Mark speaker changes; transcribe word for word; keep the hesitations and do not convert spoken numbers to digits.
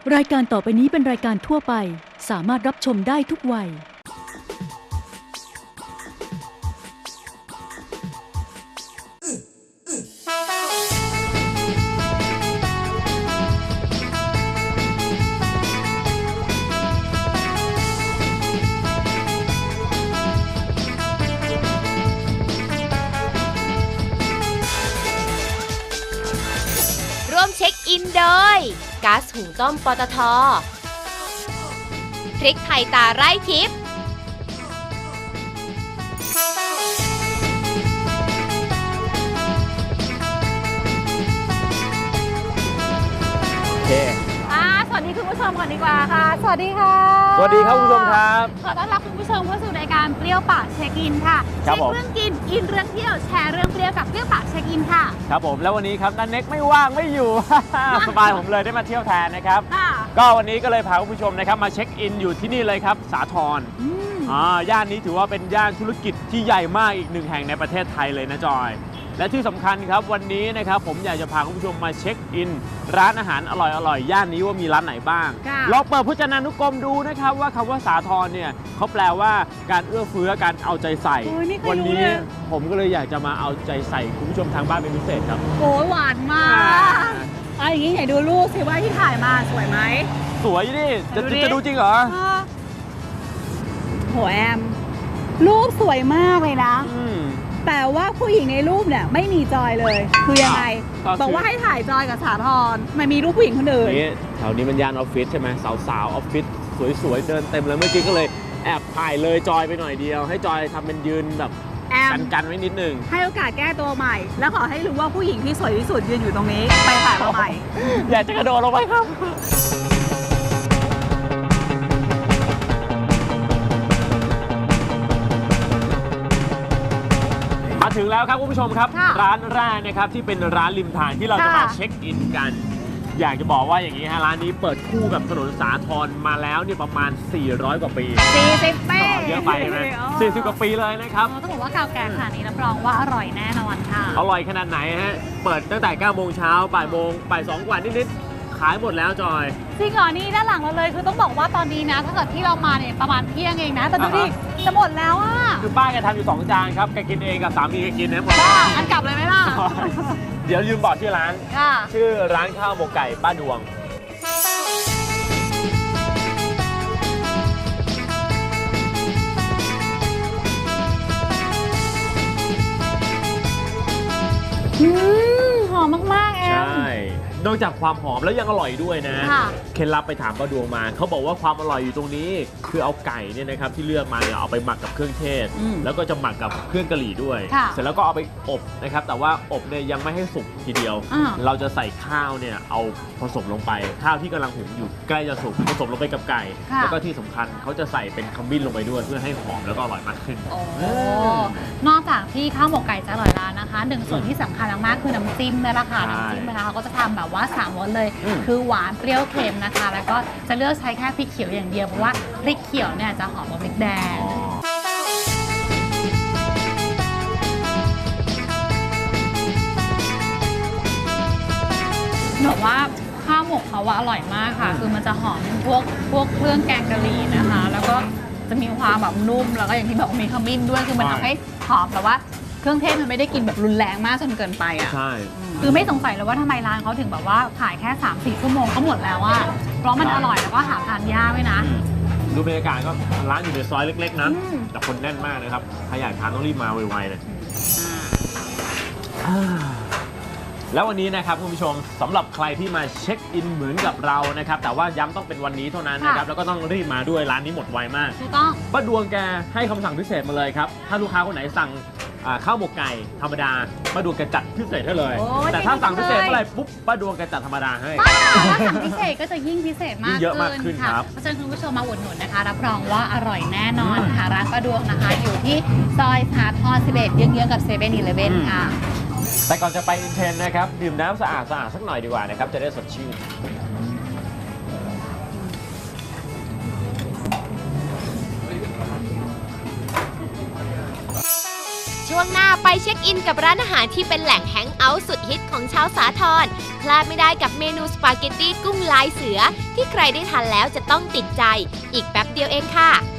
Speaker 1: รายการต่อไปนี้เป็นรายการทั่วไปสามารถรับชมได้ทุกวัย
Speaker 2: ร่วมเช็คอินโดยก๊าซหุงต้มปตท.พริกไทยตาไร่ทิพย์
Speaker 3: โอเค
Speaker 4: อ่าสวัสดีคุณผู้ชมก่อนดีกว่าค่ะ สวัสดีค่ะ
Speaker 3: สวัสดีครับคุณผู้ชมครับ
Speaker 4: ขอต้อนรับคุณผู้ชมเข้าสู่รายการเปรี้ยวปากเช็คอินค่ะ
Speaker 3: ครั
Speaker 4: เช็
Speaker 3: บ
Speaker 4: ค
Speaker 3: ผม
Speaker 4: เรื่องกินอินเรื่องเที่ยวแชร์เรื่องเปรี้ยวกับเปรี้ยวปากเช็คอินค่ะ
Speaker 3: ครับผมแล้ววันนี้ครับนันเน็กไม่ว่างไม่อยู่ สบายผมเลยได้มาเที่ยวแทนนะครับ
Speaker 4: ค่ะ
Speaker 3: ก็วันนี้ก็เลยพาคุณผู้ชมนะครับมาเช็คอินอยู่ที่นี่เลยครับสาทร
Speaker 4: อืม
Speaker 3: อ่าย่านนี้ถือว่าเป็นย่านธุรกิจที่ใหญ่มากอีกหนึ่งแห่งในประเทศไทยเลยนะจอย และที่สำคัญครับวันนี้นะครับผมอยากจะพาคุณผู้ชมมาเช็คอิน ร้านอาหารอร่อยๆย่านนี้ว่ามีร้านไหนบ้าง
Speaker 4: ค่ะ
Speaker 3: ลองเปิดพจนานุกรมดูนะครับว่าคำว่าสาทรเนี่ยเขาแปลว่าการเอื้อเฟื้อการเอาใจใส่
Speaker 4: โอ้ยไม่เคย
Speaker 3: วั
Speaker 4: รู้
Speaker 3: นี้
Speaker 4: เลย
Speaker 3: ผมก็เลยอยากจะมาเอาใจใส่คุณผู้ชมทางบ้านเป็นพิเศษครับ
Speaker 4: โอ้ยหวานมากเอาอย่างนี้ไหนดูรูปสิว่าที่ถ่ายมาสวยไหม
Speaker 3: สวยดิจะ
Speaker 4: ดูดิ
Speaker 3: จะดูจริงเหรอ
Speaker 4: อ่าโหแอม รูปสวยมากเลยนะ
Speaker 3: อืม
Speaker 4: แต่ว่าผู้หญิงในรูปเนี่ยไม่มีจอยเลย คือยังไง
Speaker 3: ก็คือ
Speaker 4: บอกว่าให้ถ่ายจอยกับสาธรไม่มีรูปผู้หญิงคนอื่น
Speaker 3: นี่แถวนี้มันย่านออฟฟิศใช่ไหมสาวๆออฟฟิศสวยๆเดินเต็มเลยเมื่อกี้ก็เลยแอบถ่ายเลยจอยไปหน่อยเดียว ให้จอยทำเป็นยืนแบบ
Speaker 4: แอม
Speaker 3: กันๆไว้นิดนึง
Speaker 4: ให้โอกาสแก้ตัวใหม่ แล้วขอให้รู้ว่าผู้หญิงที่สวยที่สุดยืนอยู่ตรงนี้ ไปถ่ายมาใหม่
Speaker 3: อยากจะกระโดดลงไปครับ มาถึงแล้วครับคุณผู้ชมครับ
Speaker 4: ค่ะ
Speaker 3: ร้านแรกนะครับที่เป็นร้านริมทางที่เราจะมา
Speaker 4: ค่ะ
Speaker 3: เช็คอินกัน อยากจะบอกว่าอย่างนี้ฮะร้านนี้เปิดคู่กับถนนสาทรมาแล้วเนี่ยประมาณ สี่ร้อย กว่าปี
Speaker 4: สี่สิบปี
Speaker 3: เยอะไปใช่ไหมสี่สิบกว่าปีเลยนะครับ
Speaker 4: ต้องบอกว่าเก่าแก่ขนาดนี้รับรองว่าอร่อยแน่นอนค่ะ
Speaker 3: อร่อยขนาดไหนฮะ เปิดตั้งแต่เก้าโมงเช้าบ่ายโมงบ่ายสองกว่านิดๆขายหมดแล้วจอย
Speaker 4: จริงเหรอนี่ด้านหลังเราเลยคือต้องบอกว่าตอนนี้นะ ถ้าเกิดที่เรามาเนี่ยประมาณเที่ยงเองนะ แต่ดูดิ
Speaker 3: อ่าฮะ
Speaker 4: จะหมดแล้วอ่ะ
Speaker 3: คือป้าแกทำอยู่สองจานครับแกกินเองกับสามีแกกินนะหมด
Speaker 4: บ้าอันกลับเลยไหมล่ะ
Speaker 3: เดี๋ยวลืมบอกชื่อร้าน
Speaker 4: ค่ะ
Speaker 3: ชื่อร้านข้าวหมกไก่ป้าดวง
Speaker 4: อืมหอมมากๆแอ
Speaker 3: ใช
Speaker 4: ม่
Speaker 3: นอกจากความหอมแล้วยังอร่อยด้วยนะ
Speaker 4: ค่ะ
Speaker 3: เคล็ดลับไปถามป้าดวงมา เขาบอกว่าความอร่อยอยู่ตรงนี้ คือเอาไก่เนี่ยนะครับที่เลือกมาเนี่ยเอาไปหมักกับเครื่องเทศ
Speaker 4: อืม
Speaker 3: แล้วก็จะหมักกับเครื่องกะหรี่ด้วย
Speaker 4: ค่ะ
Speaker 3: เสร็จแล้วก็เอาไปอบนะครับ แต่ว่าอบเนี่ยยังไม่ให้สุกทีเดียว
Speaker 4: อ่า
Speaker 3: เราจะใส่ข้าวเนี่ยเอาผสมลงไป ข้าวที่กำลังหุงอยู่ใกล้จะสุกผสมลงไปกับไก่
Speaker 4: ค่ะ
Speaker 3: แล้วก็ที่สำคัญเขาจะใส่เป็นขมิ้นลงไปด้วย เพื่อให้หอมแล้วก็อร่อยมากขึ้น
Speaker 4: โอ้นอกจากที่ข้าวหมกไก่จะอร่อยแล้วนะคะหนึ่งส่วนที่สำคัญมากๆคือน้ำจิ้มนี่แหละค่ะ
Speaker 3: ใช่
Speaker 4: น้ำจิ้มนะคะเขาก็จะทำแบบว่าสามรสเลย
Speaker 3: อืม
Speaker 4: คือหวานเปรี้ยวเค็มนะคะ แล้วก็จะเลือกใช้แค่พริกเขียวอย่างเดียวเพราะว่าพริกเขียวเนี่ยจะหอมกว่าพริกแดง
Speaker 3: อ๋อ
Speaker 4: บอกว่าข้าวหมกเขาว่าอร่อยมากค่ะ คือมันจะหอมพวกพวกเครื่องแกงกะหรี่นะคะ แล้วก็จะมีความแบบนุ่มแล้วก็อย่างที่บอกว่ามีขมิ้นด้วยคือมัน
Speaker 3: ใช่
Speaker 4: ทำให้หอมแต่ว่าเครื่องเทศมันไม่ได้กินแบบรุนแรงมากจนเกินไปอ่ะ
Speaker 3: ใช่
Speaker 4: คือไม่สงสัยเลยว่าทำไมร้านเขาถึงแบบว่าขายแค่ สามถึงสี่ ชั่วโมงก็หมดแล้วอะเพราะมันอร่อยแล้วก็หาทานยากด้วยนะ
Speaker 3: ดูบรรยากาศก็ร้านอยู่ในซอยเล็กๆนะ
Speaker 4: อืม
Speaker 3: แต่คนแน่นมากนะครับใครอยากทานต้องรีบมาไวๆเลย แล้ววันนี้นะครับคุณผู้ชมสำหรับใครที่มาเช็คอินเหมือนกับเรานะครับแต่ว่าย้ำต้องเป็นวันนี้เท่านั้นนะครับแล้วก็ต้องรีบมาด้วยร้านนี้หมดไวมาก
Speaker 4: ถูกต้อง
Speaker 3: ป้าดวงแกให้คำสั่งพิเศษมาเลยครับถ้าลูกค้าคนไหนสั่งอ่าข้าวหมกไก่ธรรมดาป้าดวงแกจัดพิเศษให้เลย
Speaker 4: โอ้ย
Speaker 3: แต่ถ้าสั่งพิเศษ
Speaker 4: จริงๆ
Speaker 3: เมื่อไหร่ปุ๊บป้าดวงแกจัดธรรมดาให้
Speaker 4: ป้าถ้าสั่งพิเศษก็จะยิ่งพิเศษมาก
Speaker 3: ยิ่งเยอะมากขึ้น
Speaker 4: ค่ะ
Speaker 3: ครับ
Speaker 4: เพราะฉะนั้นคุณผู้ชมมาอุดหนุนนะคะ รับรองว่าอร่อยแน่นอนค่ะร้านป้าดวงนะคะ อยู่ที่ซอยสาทรสิบเอ็ดเยื้องๆกับเซเว่นอีเลฟเว่นค่ะ
Speaker 3: แต่ก่อนจะไปอินเทรนด์นะครับดื่มน้ำสะอาดสะอาดสักหน่อยดีกว่านะครับจะได้สดชื่น
Speaker 2: ชช่วงหน้าไปเช็คอินกับร้านอาหารที่เป็นแหล่งแฮงเอาท์สุดฮิตของชาวสาทรพลาดไม่ได้กับเมนูสปาเกตตี้กุ้งลายเสือที่ใครได้ทานแล้วจะต้องติดใจอีกแป๊บเดียวเองค่ะ